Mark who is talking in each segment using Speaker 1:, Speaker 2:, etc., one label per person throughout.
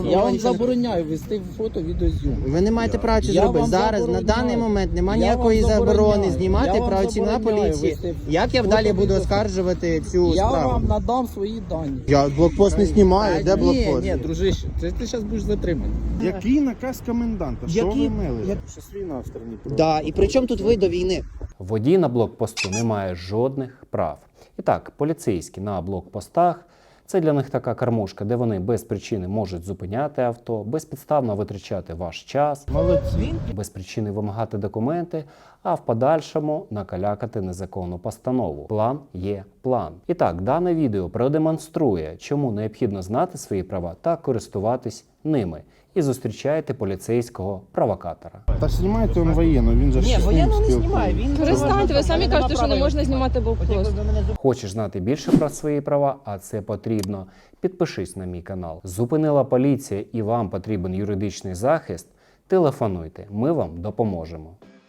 Speaker 1: Я вам забороняю вести фото відеозйомку.
Speaker 2: Ви не маєте права це зробити. Зараз, на даний момент, немає ніякої заборони знімати працівника поліції. Як я далі буду оскаржувати цю
Speaker 1: Я
Speaker 2: справу?
Speaker 1: вам надам свої дані.
Speaker 2: Я блокпост не знімаю, де блокпост?
Speaker 1: Ні, дружище, ти зараз будеш затриманий.
Speaker 3: Який наказ коменданта? Що
Speaker 2: Який?
Speaker 3: ви мели? Що війна в країні?
Speaker 2: Да, і при чому тут ви до війни?
Speaker 4: Водій на блокпосту не має жодних прав. І так, поліцейські на блокпостах – це для них така кормушка, де вони без причини можуть зупиняти авто, безпідставно витрачати ваш час,
Speaker 2: Молодці.
Speaker 4: без причини вимагати документи, а в подальшому накалякати незаконну постанову. План є план. І так, дане відео продемонструє, чому необхідно знати свої права та користуватись ними. І зустрічаєте поліцейського провокатора.
Speaker 3: Та знімайте він воєнно, він же
Speaker 2: Ні, воєнно не знімає. Він
Speaker 5: Перестаньте, ви самі кажете, що не можна знімати блокпост.
Speaker 4: Хочеш знати більше про свої права, а це потрібно? Підпишись на мій канал. Зупинила поліція і вам потрібен юридичний захист? Телефонуйте, ми вам допоможемо.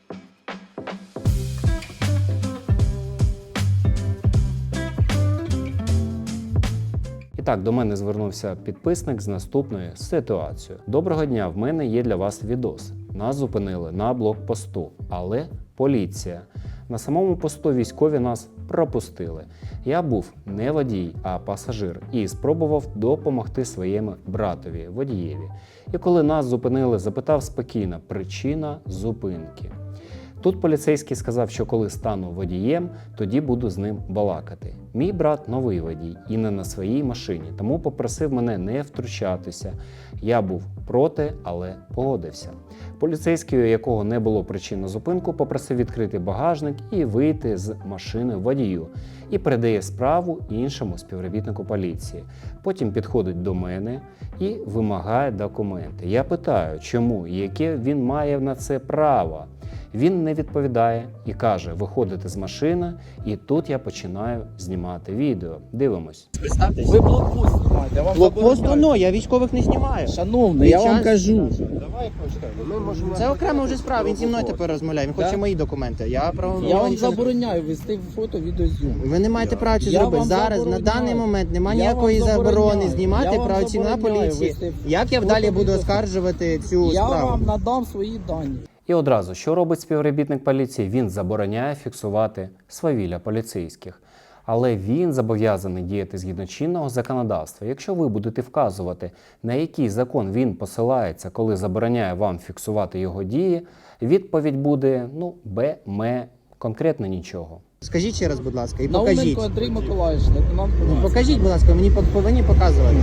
Speaker 4: І так, до мене звернувся підписник з наступною ситуацією. Доброго дня, в мене є для вас відос. Нас зупинили на блокпосту, але поліція. На самому посту військові нас пропустили. Я був не водій, а пасажир і спробував допомогти своєму братові, водієві. І коли нас зупинили, запитав спокійно причина зупинки. Тут поліцейський сказав, що коли стану водієм, тоді буду з ним балакати. Мій брат новий водій і не на своїй машині, тому попросив мене не втручатися. Я був проти, але погодився. Поліцейський, у якого не було причин на зупинку, попросив відкрити багажник і вийти з машини водію. І передає справу іншому співробітнику поліції. Потім підходить до мене і вимагає документи. Я питаю, чому і яке він має на це право. Він не відповідає і каже виходити з машини, і тут я починаю знімати відео. Дивимось.
Speaker 2: Представтесь.
Speaker 1: Ви блокпост знімаєте, я вам
Speaker 2: Блокпост,
Speaker 1: забороняю.
Speaker 2: ну, я військових не знімаю.
Speaker 1: Шановний, я вам
Speaker 2: час-
Speaker 1: кажу.
Speaker 3: Давай почнемо. Ми можемо...
Speaker 2: Це окремо вже справа, він зі мною тепер розмовляє, він хоче мої документи.
Speaker 1: Я вам забороняю вести фото відеозйомку.
Speaker 2: Ви не маєте права це
Speaker 1: Я
Speaker 2: зробити.
Speaker 1: вам
Speaker 2: Зараз, на
Speaker 1: забороняю.
Speaker 2: даний момент, немає
Speaker 1: Я
Speaker 2: ніякої
Speaker 1: вам
Speaker 2: заборони
Speaker 1: забороняю.
Speaker 2: знімати
Speaker 1: Я вам
Speaker 2: працівника
Speaker 1: забороняю
Speaker 2: поліції.
Speaker 1: вести
Speaker 2: Як я далі буду
Speaker 1: фото-відео.
Speaker 2: оскаржувати цю
Speaker 1: Я
Speaker 2: справу?
Speaker 1: вам надам свої дані.
Speaker 4: І одразу, що робить співробітник поліції? Він забороняє фіксувати свавілля поліцейських. Але він зобов'язаний діяти згідно чинного законодавства. Якщо ви будете вказувати, на який закон він посилається, коли забороняє вам фіксувати його дії, відповідь буде, конкретно нічого.
Speaker 2: Скажіть ще раз, будь ласка, і покажіть.
Speaker 1: Науменко Андрій Миколаївич, лейтенант поліції.
Speaker 2: Покажіть, будь ласка, мені повинні показувати.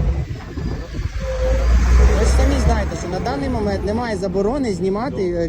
Speaker 2: Ви ж самі знаєте, що на даний момент немає заборони знімати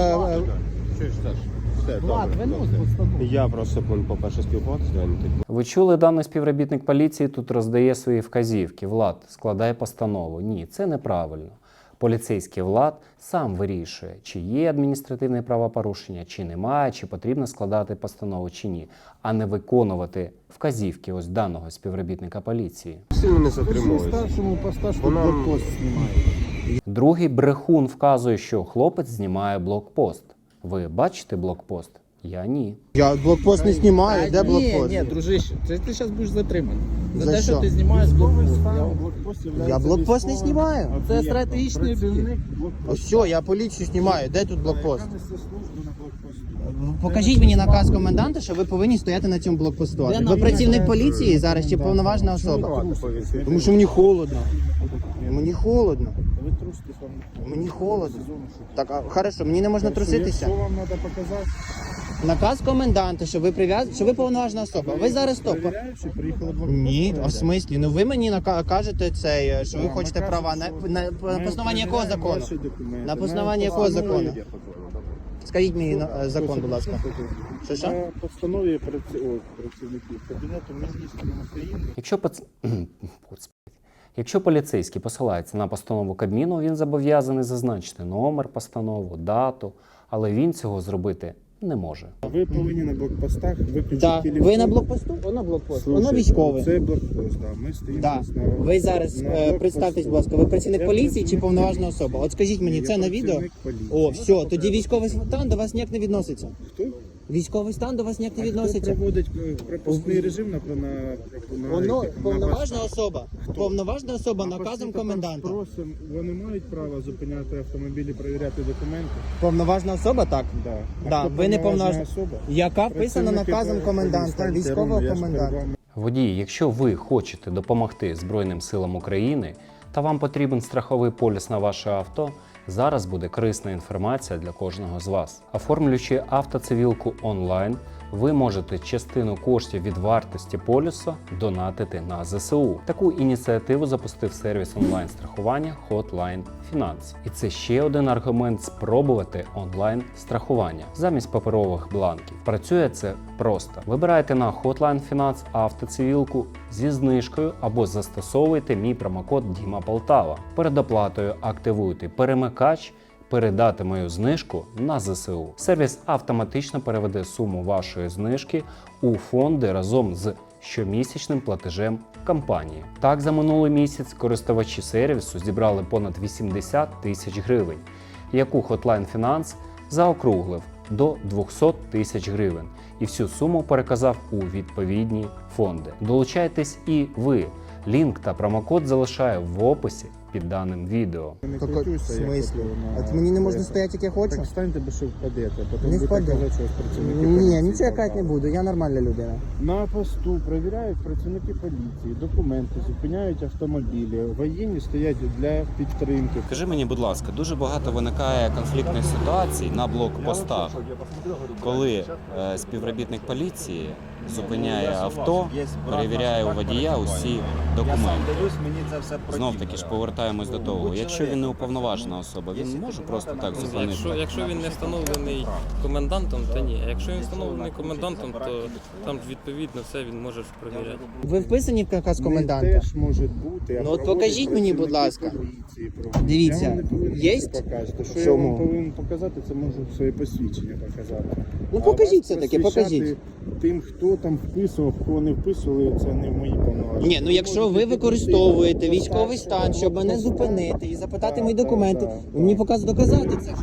Speaker 1: Влад, винос постанову.
Speaker 3: Я просто по-перше спілкуватися, а не типу.
Speaker 4: Ви чули, даний співробітник поліції тут роздає свої вказівки. Влад, складай постанову. Ні, це неправильно. Поліцейський Влад сам вирішує, чи є адміністративне правопорушення, чи немає, чи потрібно складати постанову, чи ні, а не виконувати вказівки ось даного співробітника поліції.
Speaker 3: Сильно не затримується.
Speaker 6: Старшому по старшому
Speaker 3: Вона-
Speaker 6: блокпост знімає.
Speaker 4: Другий брехун вказує, що хлопець знімає блокпост. Ви бачите блокпост? Я ні.
Speaker 2: Я блокпост не знімаю, де блокпост?
Speaker 1: Ні, дружище, ти зараз будеш затриманий.
Speaker 2: За
Speaker 1: За те,
Speaker 2: що?
Speaker 1: що ти знімаєш блокпост.
Speaker 2: Я блокпост не знімаю.
Speaker 1: Це стратегічний об'єкт.
Speaker 2: Ось що, я поліцію знімаю, де тут блокпост? Покажіть мені наказ коменданта, що ви повинні стояти на цьому блокпосту.
Speaker 1: Де
Speaker 2: Ви
Speaker 1: нам
Speaker 2: працівник поліції зараз чи повноважна особа? Тому що мені холодно. Мені холодно.
Speaker 6: Ви труситесь вам.
Speaker 2: Мені холодно. Так, хорошо, мені не можна труситися.
Speaker 6: Що вам треба показати?
Speaker 2: Наказ коменданта, що ви що ви повноважна особа. Ви зараз стоп.
Speaker 6: Перевіряючи, приїхали блокпост.
Speaker 2: Ні, а в смислі? Ну ви мені кажете це, що ви хочете права на основанні якого закону?
Speaker 6: Ваші документи.
Speaker 2: На основанні якого закону? Скажіть мені закон, будь ласка. Що?
Speaker 6: На постанові працівників Кабінету Міністрів України.
Speaker 4: Якщо поліцейський посилається на постанову Кабміну, він зобов'язаний зазначити номер постанову, дату, але він цього зробити не може.
Speaker 6: Ви повинні на блокпостах виключити
Speaker 2: Так.
Speaker 6: телефон.
Speaker 2: Ви на блокпосту? Воно блокпост. Воно
Speaker 6: Слушайте,
Speaker 2: військове.
Speaker 6: Це блокпост, да. Ми стоїмо
Speaker 2: Да.
Speaker 6: на...
Speaker 2: Ви зараз
Speaker 6: на блокпосту.
Speaker 2: представтесь, будь ласка, ви працівник
Speaker 6: Я
Speaker 2: поліції чи
Speaker 6: працівник
Speaker 2: повноважна особа? От скажіть мені,
Speaker 6: Я
Speaker 2: це на відео?
Speaker 6: працівник поліції.
Speaker 2: О, все, тоді військовий стан до вас ніяк не відноситься.
Speaker 6: Хто?
Speaker 2: Військовий стан до вас ніяк не
Speaker 6: Хто
Speaker 2: відноситься.
Speaker 6: проводить пропускний режим на
Speaker 2: Воно
Speaker 6: на
Speaker 2: повноважна
Speaker 6: ваш-
Speaker 2: особа. Повноважна особа наказом коменданта.
Speaker 6: Просимо, вони мають право зупиняти автомобілі, перевіряти документи?
Speaker 2: Повноважна особа, так.
Speaker 6: Да.
Speaker 2: Да,
Speaker 6: хто
Speaker 2: ви не
Speaker 6: повноважна
Speaker 2: повноважна
Speaker 6: особа?
Speaker 2: яка вписана
Speaker 6: Працівники
Speaker 2: наказом коменданта,
Speaker 6: інстанції,
Speaker 2: військового
Speaker 6: Рома, я ж перед
Speaker 2: коменданта.
Speaker 6: вами.
Speaker 4: Водії, якщо ви хочете допомогти Збройним силам України та вам потрібен страховий поліс на ваше авто, зараз буде корисна інформація для кожного з вас. Оформлюючи автоцивілку онлайн, ви можете частину коштів від вартості полісу донатити на ЗСУ. Таку ініціативу запустив сервіс онлайн-страхування Hotline Finance. І це ще один аргумент спробувати онлайн-страхування замість паперових бланків. Працює це просто. Вибирайте на Hotline Finance автоцивілку зі знижкою або застосовуйте мій промокод Діма Полтава. Перед оплатою активуйте перемикач передати мою знижку на ЗСУ. Сервіс автоматично переведе суму вашої знижки у фонди разом з щомісячним платежем компанії. Так, за минулий місяць користувачі сервісу зібрали понад 80 тисяч гривень, яку Hotline Finance заокруглив до 200 тисяч гривень і всю суму переказав у відповідні фонди. Долучайтесь і ви. Лінк та промокод залишаю в описі під даним відео.
Speaker 6: Не
Speaker 2: В
Speaker 6: крутюся, як
Speaker 2: смислі?
Speaker 6: от,
Speaker 2: От мені не можна стояти, як я хочу?
Speaker 6: Так встаньте, бо що впадете. Потім
Speaker 2: Не
Speaker 6: будете
Speaker 2: впаду.
Speaker 6: казати, що працівники
Speaker 2: Ні,
Speaker 6: поліції
Speaker 2: нічого я казати не
Speaker 6: попали.
Speaker 2: буду, я нормальна людина.
Speaker 6: На посту перевіряють працівники поліції, документи, зупиняють автомобілі, воєнні стоять для підтримки.
Speaker 7: Скажи мені, будь ласка, дуже багато виникає конфліктних ситуацій на блокпостах, коли співробітник поліції зупиняє авто, перевіряє у водія усі документи. Знов таки ж повертаємось до того. Якщо він не уповноважена особа, він може просто так зупинити.
Speaker 8: Якщо він не встановлений комендантом, то ні. А якщо він встановлений комендантом, то там відповідно все він може перевіряти.
Speaker 2: Ви вписані в наказ
Speaker 6: Не
Speaker 2: коменданта?
Speaker 6: теж може бути.
Speaker 2: Ну, от покажіть мені, будь ласка. Дивіться,
Speaker 6: Я вам не повинен
Speaker 2: є?
Speaker 6: це показати. Що я
Speaker 2: Чому?
Speaker 6: вам повинен показати, це можу своє посвідчення показати.
Speaker 2: Ну
Speaker 6: А
Speaker 2: покажіть
Speaker 6: вас
Speaker 2: все-таки,
Speaker 6: просвіщати
Speaker 2: покажіть.
Speaker 6: Тим, хто там вписував, кого не вписували, це не в мої повноваження.
Speaker 2: Ні, ну якщо ви використовуєте військовий стан, щоб мене зупинити і запитати мої документи, ви мені доказати це.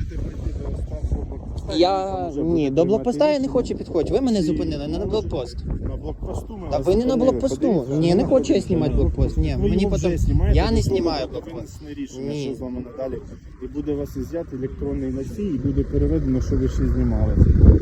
Speaker 2: Ні, до блокпоста я не хочу підходити. Ви мене зупинили, не на блокпост.
Speaker 6: На блокпосту ми
Speaker 2: Та
Speaker 6: вас
Speaker 2: ви не на
Speaker 6: зупинили.
Speaker 2: блокпосту.
Speaker 6: Подивіться,
Speaker 2: Ні, не
Speaker 6: на
Speaker 2: хочу я знімати блокпост. Ні,
Speaker 6: Ви
Speaker 2: мені
Speaker 6: його вже
Speaker 2: потім.
Speaker 6: знімаєте,
Speaker 2: Я не
Speaker 6: до
Speaker 2: знімаю
Speaker 6: того
Speaker 2: блокпост.
Speaker 6: винесене рішення,
Speaker 2: Ні.
Speaker 6: що з вами надалі. І буде вас ізяти електронний носій, і буде переведено, що ви ще знімали.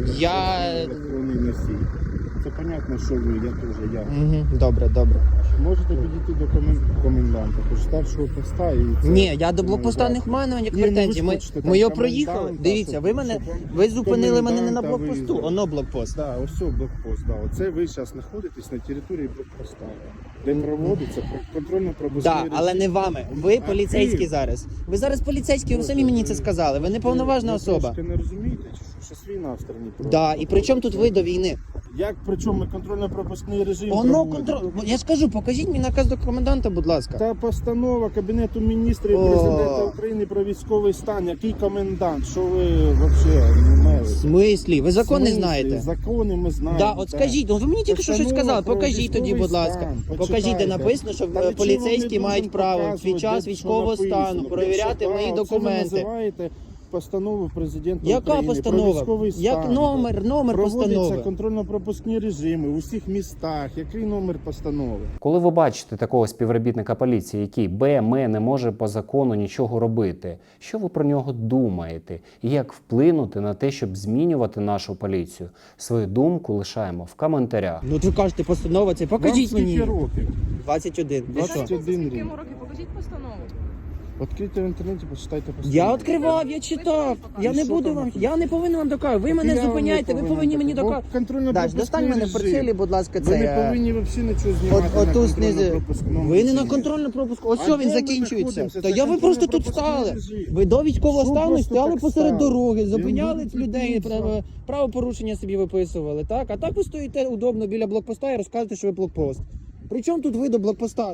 Speaker 2: Я.
Speaker 6: Електронний носій. Це понятно, що ви, я теж, я.
Speaker 2: Угу, добре, добре.
Speaker 6: Можете підійти до коменданта, хоч старшого поста і це...
Speaker 2: Ні, я до блокпоста не маю ніяких
Speaker 6: Ні, ну ви
Speaker 2: претензій.
Speaker 6: ж
Speaker 2: Ми
Speaker 6: хочете там
Speaker 2: його проїхали.
Speaker 6: коменданта,
Speaker 2: Дивіться, ви мене
Speaker 6: щоб вам
Speaker 2: ви зупинили мене не на
Speaker 6: коменданта
Speaker 2: блокпосту,
Speaker 6: виїзду.
Speaker 2: оно блокпост.
Speaker 6: Да, ось блокпост, да. Оце ви зараз знаходитесь на території блокпоста, де проводиться контрольно-пропускний
Speaker 2: Так,
Speaker 6: режим.
Speaker 2: але не вами. Ви
Speaker 6: А
Speaker 2: поліцейські
Speaker 6: ти?
Speaker 2: зараз. Ви зараз поліцейські, ви самі мені це сказали. Ви не повноважна
Speaker 6: Ви
Speaker 2: особа.
Speaker 6: трошки не розумієте, чи що? Щас війна в країні.
Speaker 2: Да, і при чому тут ви до війни?
Speaker 6: Як при чому ми контрольно-пропускний режим
Speaker 2: Оно
Speaker 6: проводимо?
Speaker 2: контроль. Я ж кажу, покажіть мені наказ до коменданта, будь ласка.
Speaker 6: Та постанова Кабінету міністрів
Speaker 2: О.
Speaker 6: Президента України про військовий стан. Який комендант? Що ви взагалі не
Speaker 2: В
Speaker 6: маєте?
Speaker 2: смислі? Ви закон не
Speaker 6: В смислі?
Speaker 2: знаєте?
Speaker 6: Закони ми знаємо.
Speaker 2: Да, от
Speaker 6: так.
Speaker 2: скажіть, ну ви мені тільки що щось
Speaker 6: Постанова
Speaker 2: сказали.
Speaker 6: про
Speaker 2: Покажіть тоді,
Speaker 6: військовий
Speaker 2: будь ласка.
Speaker 6: стан.
Speaker 2: Покажіть, де
Speaker 6: Почитайте.
Speaker 2: написано, що
Speaker 6: Та нічого
Speaker 2: поліцейські
Speaker 6: не
Speaker 2: мають
Speaker 6: будемо
Speaker 2: право
Speaker 6: показувати,
Speaker 2: під час
Speaker 6: де
Speaker 2: військового
Speaker 6: що
Speaker 2: стану
Speaker 6: написано.
Speaker 2: перевіряти
Speaker 6: Де
Speaker 2: мої
Speaker 6: що, оце ви
Speaker 2: документи.
Speaker 6: називаєте постанову президента
Speaker 2: Яка
Speaker 6: України про
Speaker 2: постанова?
Speaker 6: військовий стан.
Speaker 2: Як номер
Speaker 6: Проводяться
Speaker 2: постанови?
Speaker 6: контрольно-пропускні режими у всіх містах. Який номер постанови?
Speaker 4: Коли ви бачите такого співробітника поліції, який БМ не може по закону нічого робити, що ви про нього думаєте? І як вплинути на те, щоб змінювати нашу поліцію? Свою думку лишаємо в коментарях.
Speaker 2: Ну от ви кажете, постанова це. Покажіть
Speaker 6: Вам
Speaker 2: мені.
Speaker 6: скільки років?
Speaker 2: 21. Ви що?
Speaker 6: 21 рік.
Speaker 5: років? Покажіть постанову.
Speaker 6: Відкрийте в інтернеті, почитайте постанову.
Speaker 2: Я відкривав, я читав. Я
Speaker 6: І
Speaker 2: не
Speaker 6: що
Speaker 2: буду
Speaker 6: там
Speaker 2: вам.
Speaker 6: написано?
Speaker 2: Я не повинен вам доказувати. Ви мене
Speaker 6: Я вам не
Speaker 2: зупиняєте, ви повинні мені доказувати. Даш, достань мене в портфелі, будь ласка,
Speaker 6: Ви не
Speaker 2: це.
Speaker 6: повинні взагалі нічого знімати
Speaker 2: Оту
Speaker 6: на
Speaker 2: знизу.
Speaker 6: контрольно-пропускному
Speaker 2: Ви не на
Speaker 6: режимі.
Speaker 2: контрольно пропуску. Ось
Speaker 6: А
Speaker 2: що
Speaker 6: де
Speaker 2: він
Speaker 6: ми
Speaker 2: закінчується.
Speaker 6: знаходимося?
Speaker 2: Та
Speaker 6: Це
Speaker 2: я ви просто тут
Speaker 6: контрольно-пропускний
Speaker 2: стали.
Speaker 6: режим.
Speaker 2: Ви до військового
Speaker 6: Що
Speaker 2: стану
Speaker 6: просто
Speaker 2: стояли
Speaker 6: так
Speaker 2: посеред
Speaker 6: стали?
Speaker 2: дороги,
Speaker 6: Я
Speaker 2: зупиняли
Speaker 6: не
Speaker 2: людей,
Speaker 6: буду
Speaker 2: правопорушення собі виписували, так? А так ви стоїте удобно біля блокпоста і розказуєте, що ви блокпост. При чому тут ви до блокпоста?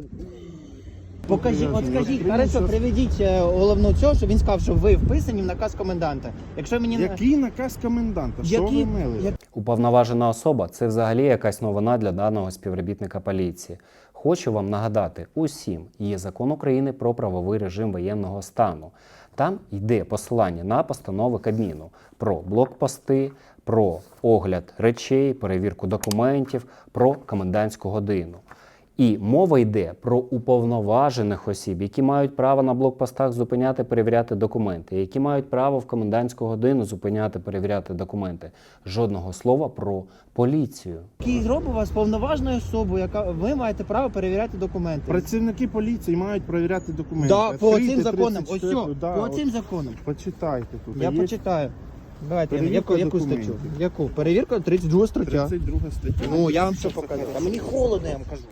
Speaker 2: Покажіть, от скажіть, хорошо, приведіть головну цього, що він сказав, що ви вписані в наказ коменданта. Якщо мені не
Speaker 6: Який наказ коменданта? Що
Speaker 2: Який-
Speaker 6: ви мели?
Speaker 4: Уповноважена особа – це взагалі якась новина для даного співробітника поліції. хочу вам нагадати усім, є закон України про правовий режим воєнного стану. Там йде посилання на постанови Кабміну про блокпости, про огляд речей, перевірку документів, про комендантську годину. І мова йде про уповноважених осіб, які мають право на блокпостах зупиняти, перевіряти документи, які мають право в комендантську годину зупиняти, перевіряти документи. Жодного слова про поліцію.
Speaker 2: Який зробив вас повноважною особою, яка ви маєте право перевіряти документи.
Speaker 6: Працівники поліції мають перевіряти документи.
Speaker 2: Да, по
Speaker 6: Відкрийте
Speaker 2: цим законам. Ось
Speaker 6: 34,
Speaker 2: все,
Speaker 6: да,
Speaker 2: по
Speaker 6: от
Speaker 2: цим законам.
Speaker 6: Почитайте тут.
Speaker 2: Я
Speaker 6: Є
Speaker 2: почитаю. Давайте,
Speaker 6: перевірка
Speaker 2: яку статтю?
Speaker 6: документів.
Speaker 2: Яку? Перевірка 32 стаття.
Speaker 6: 32 стаття.
Speaker 2: Ну, я вам що покажу? А мені холодно, я вам кажу.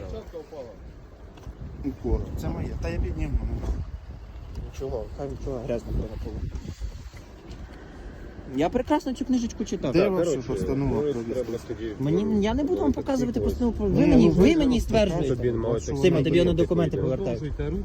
Speaker 6: Укор. Це моє. Та я підніму.
Speaker 2: Нічого, хай нічого грязно на полу. Я прекрасно цю книжечку читав.
Speaker 6: Де ваша постанова про
Speaker 2: Мені, я не буду вам показувати постанову.
Speaker 6: Ні,
Speaker 2: Ви
Speaker 6: ну,
Speaker 2: мені стверджуєте. Сима, тобі на документи повертаю.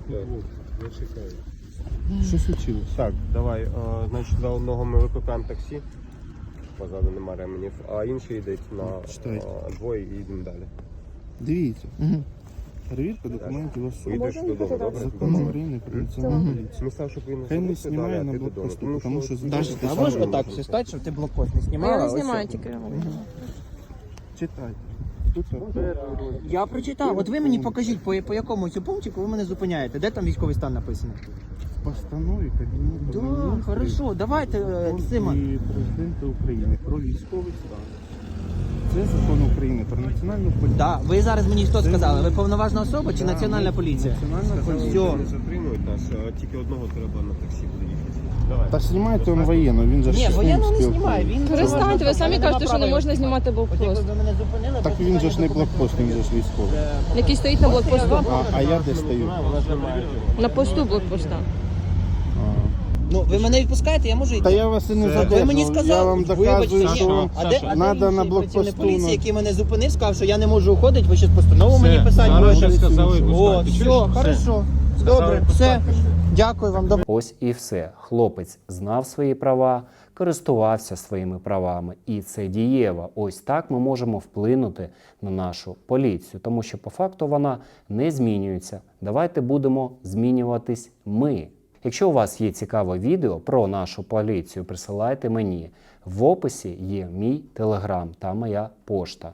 Speaker 6: Що случилось?
Speaker 3: Так, давай. Значить, за одного ми викликаємо таксі. Позаду нема ременів, а інший йде на
Speaker 6: Читайте.
Speaker 3: двоє і йдемо далі.
Speaker 6: Дивіться.
Speaker 2: Мгм.
Speaker 6: Перевірка документів особи.
Speaker 3: Поїдеш додому, добре?
Speaker 6: Закон України про національну поліцію.
Speaker 3: Смисл, щоб він
Speaker 6: Хай не
Speaker 3: залишився далі,
Speaker 6: знімає
Speaker 3: а
Speaker 6: на
Speaker 3: ти
Speaker 6: блокпосту,
Speaker 3: додому.
Speaker 6: тому що
Speaker 2: Даша,
Speaker 6: зараз
Speaker 2: ти можеш отак все стати, щоб ти блокпост не знімала?
Speaker 5: Я не
Speaker 2: Ось
Speaker 5: знімаю
Speaker 2: все.
Speaker 5: тільки.
Speaker 6: читайте. Тут
Speaker 2: Я прочитав. От ви мені покажіть, по якому цю пунктику ви мене зупиняєте. Де там військовий стан написаний?
Speaker 6: в постанові Кабінету
Speaker 2: Да,
Speaker 6: Міністрів
Speaker 2: хорошо, давайте, Сима.
Speaker 6: і Президента України про військовий стан. Це закон України про національну поліцію.
Speaker 2: Да, ви зараз мені що сказали? Ви повноважна особа чи
Speaker 6: Да,
Speaker 2: національна
Speaker 6: ми-
Speaker 2: поліція?
Speaker 6: Національна
Speaker 3: Сказали,
Speaker 6: поліція.
Speaker 2: Всьо.
Speaker 3: не затримують нас, а тільки одного треба на таксі буде їхати. Давай.
Speaker 6: Та знімайте он воєнно, він же
Speaker 2: Ні,
Speaker 6: ж з ним
Speaker 2: воєнно не
Speaker 6: спілкується.
Speaker 2: знімає. Він
Speaker 5: Перестаньте, ви самі кажете, що не можна знімати
Speaker 2: От якби
Speaker 5: блокпост.
Speaker 2: ви мене зупинили,
Speaker 6: Так він же ж не блокпост, він же ж військовий.
Speaker 5: Який стоїть на блокпосту.
Speaker 6: А я де стою?
Speaker 5: На посту блокпоста.
Speaker 2: Ну, ви мене відпускаєте, я можу йти.
Speaker 6: Та я вас і не
Speaker 2: Ви
Speaker 6: задержав.
Speaker 2: мені сказали,
Speaker 6: Я вам доказую,
Speaker 2: вибачте,
Speaker 6: що
Speaker 2: ні. А де
Speaker 6: надо на
Speaker 2: інший
Speaker 6: блокпосту.
Speaker 2: працівник поліції, який мене зупинив, сказав, що я не можу уходити, ви щось постанову мені писати будете? О, все, хорошо. Добре, все. Дякую вам. Добре.
Speaker 4: Ось і все. Хлопець знав свої права, користувався своїми правами. І це дієво. Ось так ми можемо вплинути на нашу поліцію, тому що по факту вона не змінюється. Давайте будемо змінюватись ми. Якщо у вас є цікаве відео про нашу поліцію, присилайте мені. В описі є мій телеграм та моя пошта.